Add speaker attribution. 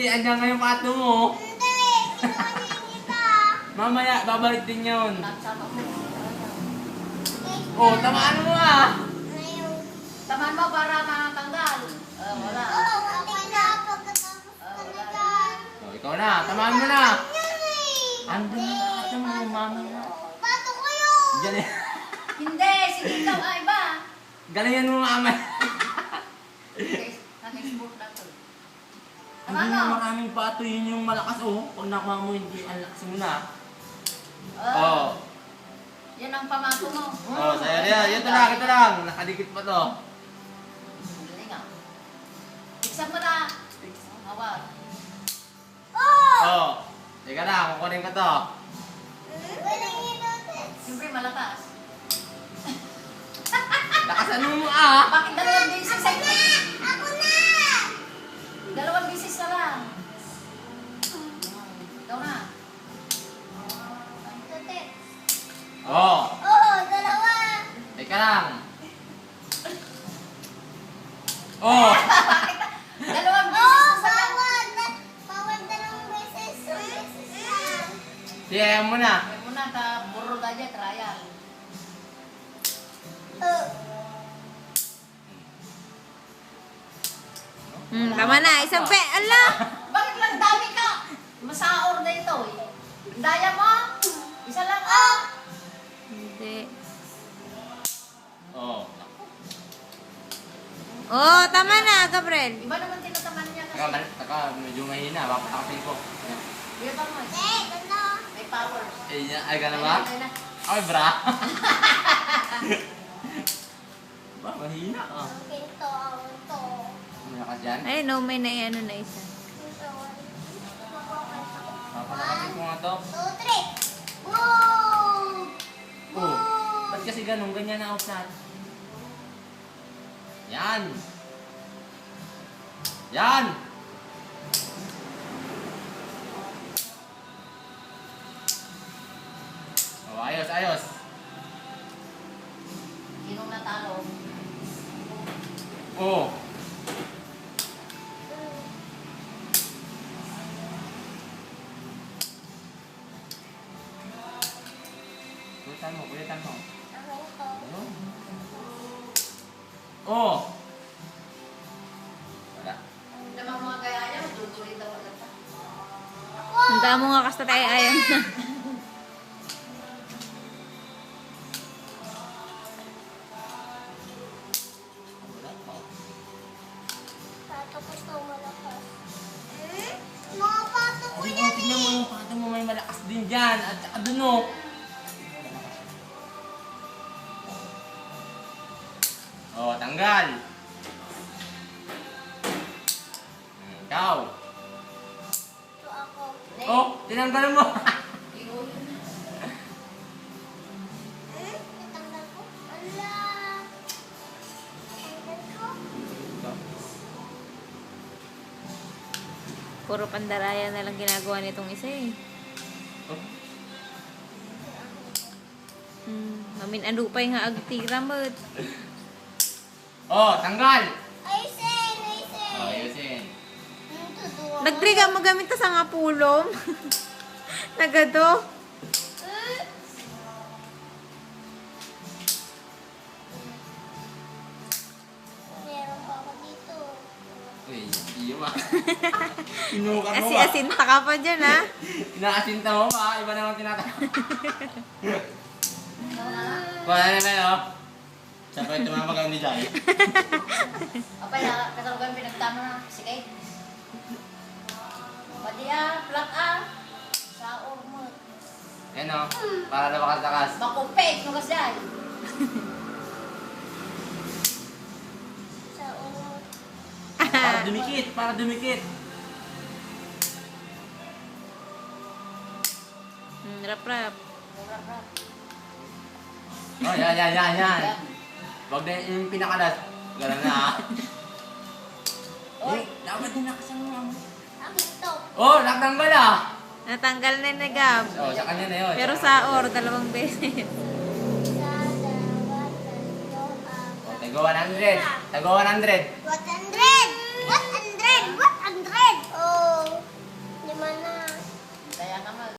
Speaker 1: Hindi, andyan nga yung pato mo.
Speaker 2: Hindi, kinuha kita.
Speaker 1: Mamaya, babalik din yun.
Speaker 3: Sama mo.
Speaker 1: Oh, tamaan mo ah.
Speaker 2: Ayaw.
Speaker 3: Tamaan mo para makatanggal. Wala.
Speaker 2: Oo, muntik na pagkatapos ka na dyan.
Speaker 1: Oh, ikaw na, tamaan mo na.
Speaker 2: Yan eh.
Speaker 1: Andun na yung pato mo, mamaya.
Speaker 2: Pato ko yun.
Speaker 1: Diyan eh.
Speaker 3: Hindi, sige ikaw ay iba.
Speaker 1: Galingan mo mamaya.
Speaker 3: Nag-export na to.
Speaker 1: Hindi yung maraming pato, yun yung malakas oh. Pag nakuha mo, hindi, ang lakas mo na. Oh.
Speaker 3: Yan ang pamato mo.
Speaker 1: Oh, sa'yo yan. Ito lang. Nakadikit pa to.
Speaker 3: Galing ah. Iksan mo na. Hawak.
Speaker 1: Oh. Teka na, kukunin ko to.
Speaker 2: Walang inutin.
Speaker 3: Siyempre malakas.
Speaker 1: Lakasan mo ah.
Speaker 3: Bakit dalawang beses ay...
Speaker 2: Ako na.
Speaker 3: Dalawang beses na lang. Ikaw na.
Speaker 2: Tutik.
Speaker 1: Oh.
Speaker 2: Oo, dalawa.
Speaker 1: Teka lang. Oh.
Speaker 3: Dalawang
Speaker 2: Oo,
Speaker 3: beses na lang.
Speaker 2: bawal. Bawal dalawang beses. Beses lang.
Speaker 1: Siya mo na.
Speaker 3: Kaya muna, burro ka dyan, trial.
Speaker 4: Tama na. Isang pe. Ala!
Speaker 3: Bakit lang dami ka? Masaor na ito eh. Daya mo? Isa lang ah.
Speaker 4: Hindi.
Speaker 1: Oh.
Speaker 4: Oh, tama na, Gabriel.
Speaker 3: Iba naman tinataman niya kasi.
Speaker 1: Taka, medyo mahina. Papatakasin ko.
Speaker 3: Iba pa mo eh.
Speaker 2: Eh, ganda.
Speaker 3: May power.
Speaker 1: Ay, gano'n ba?
Speaker 3: Ayun na.
Speaker 1: Ay, bra. Ba, mahina ah.
Speaker 2: Ito, ito.
Speaker 1: Malakas yan.
Speaker 4: Ay, no, may ano na isa.
Speaker 2: Ito.
Speaker 1: Papatakasin ko nga to.
Speaker 2: 2, 3. Boom!
Speaker 1: Oh. Ba't kasi ganun? Ganyan na out natin. Yan. Yan. Oh, ayos, ayos.
Speaker 3: Sinong natalo?
Speaker 1: Oh. Kulitan mo.
Speaker 2: Ako ito.
Speaker 1: Ayun. Oh. Wala.
Speaker 3: Naman mga kaya niya, tutuloy daw agad pa.
Speaker 4: Handa mo nga kasi tayo ayan na.
Speaker 1: Wala pa.
Speaker 2: Pato ko ito malakas. Mga pato ko
Speaker 1: Ay,
Speaker 2: yan
Speaker 1: tignan mo yung pato mo, may malakas din dyan. At saka dun oh. Oh, tanggal. Ikaw.
Speaker 2: Ito ako.
Speaker 1: Oh, tinanggal mo.
Speaker 2: Itanggal ko. Ala. Itanggal ko.
Speaker 4: Puro pandaraya na lang ginagawa nitong isa eh. Mamin anupay nga agtira mo.
Speaker 1: Oh, tanggal.
Speaker 2: Ayusin, ayusin.
Speaker 1: Oh, ayusin.
Speaker 2: Ito, duwa.
Speaker 4: Nagtriga mo gamit ta sa nga pulom. Nagado.
Speaker 2: Meron pa ako dito.
Speaker 1: Uy, iyo ma. Inuka mo ba?
Speaker 4: Asi-asinta ka pa dyan ha.
Speaker 1: Inaasinta mo ba? Iba naman tinatawag. Wala na ba, no? Siya pa yung tumamag ang ni Jai.
Speaker 3: Apay, kasalugan pinagtano na. Sige. Pati ah, plak ah. Sa ormo.
Speaker 1: Yan o, para na makasakas.
Speaker 3: Makupit mo kasi ay.
Speaker 2: Sa ulo.
Speaker 1: Para dumikit, para dumikit.
Speaker 4: Rap-rap.
Speaker 1: Oh, yan. Huwag na yung pinakalat. Gano'n na ah. Eh, dapat din nakasama mo.
Speaker 2: Ako ito.
Speaker 1: Oh, nakatanggal ah.
Speaker 4: Natanggal na ni Gab.
Speaker 1: Oh, sa kanya na yun.
Speaker 4: Pero sa or, 2 beses.
Speaker 2: Sa dalawa, tatlo,
Speaker 1: Oh,
Speaker 2: apat.
Speaker 1: tago 100. Tago 100.
Speaker 2: Watan